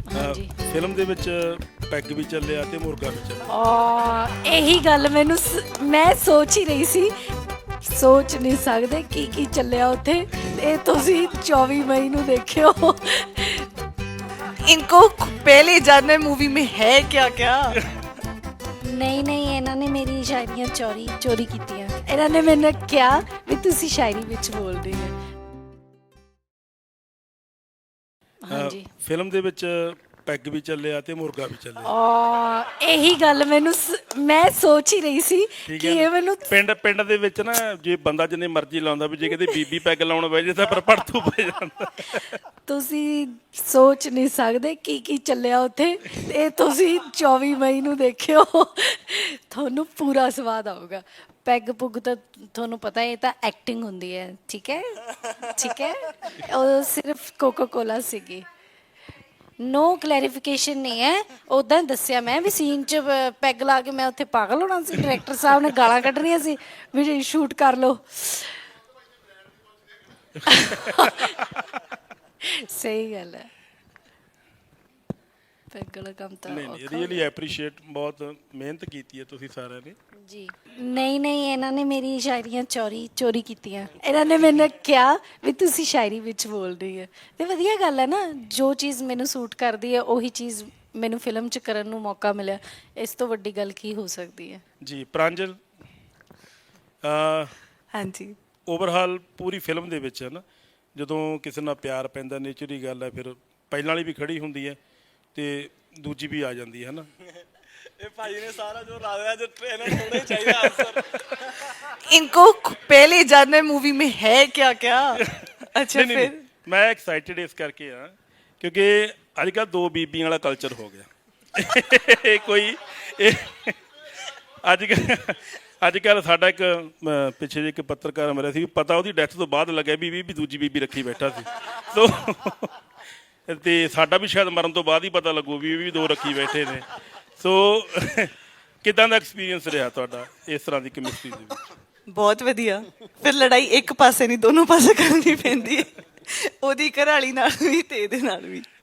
ਹਾਂਜੀ ਫਿਲਮ ਦੇ ਵਿੱਚ ਪੈਗ ਵੀ ਚੱਲਿਆ ਤੇ ਮੁਰਗਾ ਵੀ ਚੱਲਿਆ। ਇਹੀ ਗੱਲ ਮੈਨੂੰ ਮੈਂ ਸੋਚ ਹੀ ਰਹੀ ਸੀ, ਸੋਚ ਨਹੀਂ ਸਕਦੇ ਕੀ ਚੱਲਿਆ ਉੱਥੇ। ਇਹ ਤੁਸੀਂ 24 ਮਈ ਨੂੰ ਦੇਖਿਓ। इनको पहले जानना है मूवी में है क्या क्या। ਨਹੀਂ ਇਹਨਾਂ ਨੇ ਮੇਰੀ ਸ਼ਾਇਰੀਆਂ ਚੋਰੀ ਕੀਤੀਆਂ। ਇਹਨਾਂ ਨੇ ਮੈਨੂੰ ਕਿਹਾ ਵੀ ਤੁਸੀਂ ਸ਼ਾਇਰੀ ਵਿੱਚ ਬੋਲਦੇ ਹੋ। ਹਾਂਜੀ ਫਿਲਮ ਦੇ ਵਿੱਚ ਪੈਗ ਵੀ ਚੱਲਿਆ ਤੇ ਮੁਰਗਾ ਵੀ ਚੱਲਿਆ। ਇਹੀ ਗੱਲ ਮੈਨੂੰ ਮੈਂ ਸੋਚ ਹੀ ਰਹੀ ਸੀ ਠੀਕ ਕਿ ਹੈ ਇਹ ਨਾ? ਮੈਨੂੰ ਪਿੰਡ ਦੇ ਵਿੱਚ ਨਾ ਜੇ ਬੰਦਾ ਜਿੰਨੇ ਮਰਜ਼ੀ ਲਾਉਂਦਾ ਵੀ ਜੇ ਕਿਤੇ ਬੀਬੀ ਪੈਗ ਲਾਉਣ ਬਹਿ ਜੇ ਤਾਂ ਪਰ ਪੜਤੂ ਪੈ ਜਾਂਦਾ। ਤੁਸੀਂ ਸੋਚ ਨਹੀਂ ਸਕਦੇ ਕੀ ਚੱਲਿਆ ਉੱਥੇ। ਇਹ ਤੁਸੀਂ 24 ਮਈ ਨੂੰ ਦੇਖਿਓ, ਤੁਹਾਨੂੰ ਪੂਰਾ ਸਵਾਦ ਆਊਗਾ। ਪੈਗ ਪੁੱਗ ਤਾਂ ਤੁਹਾਨੂੰ ਪਤਾ ਇਹ ਤਾਂ ਐਕਟਿੰਗ ਹੁੰਦੀ ਹੈ, ਠੀਕ ਹੈ ਠੀਕ ਹੈ। ਉਹ ਸਿਰਫ ਕੋਕਾ ਕੋਲਾ ਸੀਗੀ। ਨੋ ਕਲੈਰੀਫਿਕੇਸ਼ਨ ਨਹੀਂ ਹੈ। ਉਦਾਂ ਦੱਸਿਆ ਮੈਂ ਵੀ ਸੀਨ 'ਚ ਪੈਗ ਲਾ ਕੇ ਮੈਂ ਉੱਥੇ ਪਾਗਲ ਹੋਣਾ ਸੀ। ਡਾਇਰੈਕਟਰ ਸਾਹਿਬ ਨੇ ਗਾਲਾਂ ਕੱਢਣੀਆਂ ਸੀ ਵੀ ਸ਼ੂਟ ਕਰ ਲਓ। ਸਹੀ ਗੱਲ ਹੈ। ਪੈਗ ਵਾਲਾ ਕੰਮ ਤਾਂ ਨਹੀਂ ਰੀਅਲੀ ਐਪਰੀਸ਼ੀਏਟ, ਬਹੁਤ ਮਿਹਨਤ ਕੀਤੀ ਹੈ ਤੁਸੀਂ ਸਾਰਿਆਂ ਨੇ ਜੀ। ਨਹੀਂ ਇਹਨਾਂ ਨੇ ਮੇਰੀ ਸ਼ਾਇਰੀਆਂ ਚੋਰੀ ਕੀਤੀਆਂ। ਇਹਨਾਂ ਨੇ ਮੈਨੂੰ ਕਿਹਾ ਵੀ ਤੁਸੀਂ ਸ਼ਾਇਰੀ ਵਿੱਚ ਬੋਲਦੇ ਹੋ। ਤੇ ਵਧੀਆ ਗੱਲ ਹੈ ਨਾ, ਜੋ ਚੀਜ਼ ਮੈਨੂੰ ਸੂਟ ਕਰਦੀ ਹੈ ਉਹੀ ਚੀਜ਼ ਮੈਨੂੰ ਫਿਲਮ 'ਚ ਕਰਨ ਨੂੰ ਮੌਕਾ ਮਿਲਿਆ। ਇਸ ਤੋਂ ਵੱਡੀ ਗੱਲ ਕੀ ਹੋ ਸਕਦੀ ਹੈ ਜੀ। ਪ੍ਰਾਂਜਲ, हाँ जी। ਓਵਰਹਾਲ ਪੂਰੀ ਫਿਲਮ ਦੇ ਵਿੱਚ ਹੈ ਨਾ, ਜਦੋਂ ਕਿਸੇ ਨਾਲ ਪਿਆਰ ਪੈਂਦਾ ਨੇਚਰ ਦੀ ਗੱਲ ਹੈ, ਫਿਰ ਪਹਿਲਾਂ ਵਾਲੀ ਵੀ ਖੜੀ ਹੁੰਦੀ ਹੈ ਤੇ ਦੂਜੀ ਵੀ ਆ ਜਾਂਦੀ ਹੈ ਨਾ। ਇਹ ਭਾਈ ਨੇ ਸਾਰਾ ਜੋ ਲਾ ਦਿਆ, ਜੋ ਟ੍ਰੇਲਰ ਥੋੜਾ ਹੀ ਚਾਹੀਦਾ ਆਨਸਰ। इनको पहले जानना है मूवी में है क्या क्या। अच्छा ਨਹੀਂ, फिर ਮੈਂ ਐਕਸਾਈਟਿਡ ਇਸ ਕਰਕੇ ਆ ਕਿਉਂਕਿ ਅੱਜ ਕੱਲ੍ਹ ਦੋ ਬੀਬੀਆਂ ਵਾਲਾ ਕਲਚਰ ਹੋ ਗਿਆ। ਅੱਜ ਕੱਲ੍ਹ ਸਾਡਾ ਇੱਕ ਪਿੱਛੇ ਜਿਹੇ ਇੱਕ ਪੱਤਰਕਾਰ ਮਰਿਆ ਸੀ, ਪਤਾ ਉਹਦੀ ਡੈਥ ਤੋਂ ਬਾਅਦ ਲੱਗਿਆ ਵੀ ਦੂਜੀ ਬੀਬੀ ਰੱਖੀ ਬੈਠਾ ਸੀ। ਸੋ ਤੇ ਸਾਡਾ ਵੀ ਸ਼ਾਇਦ ਮਰਨ ਤੋਂ ਬਾਅਦ ਹੀ ਪਤਾ ਲੱਗੂ ਵੀ ਦੋ ਰੱਖੀ ਬੈਠੇ ਨੇ। ਸੋ ਕਿੱਦਾਂ ਦਾ ਐਕਸਪੀਰੀਅੰਸ ਰਿਹਾ ਤੁਹਾਡਾ ਇਸ ਤਰ੍ਹਾਂ ਦੀ ਕੈਮਿਸਟਰੀ ਦੇ ਵਿੱਚ? बहुत वधिया। फिर लड़ाई एक पासे नहीं दोनों पासे करनी पैंदी है। ਉਹਦੀ ਘਰਾਲੀ ਨਾਲ ਵੀ ਤੇ ਇਹਦੇ ਨਾਲ ਵੀ।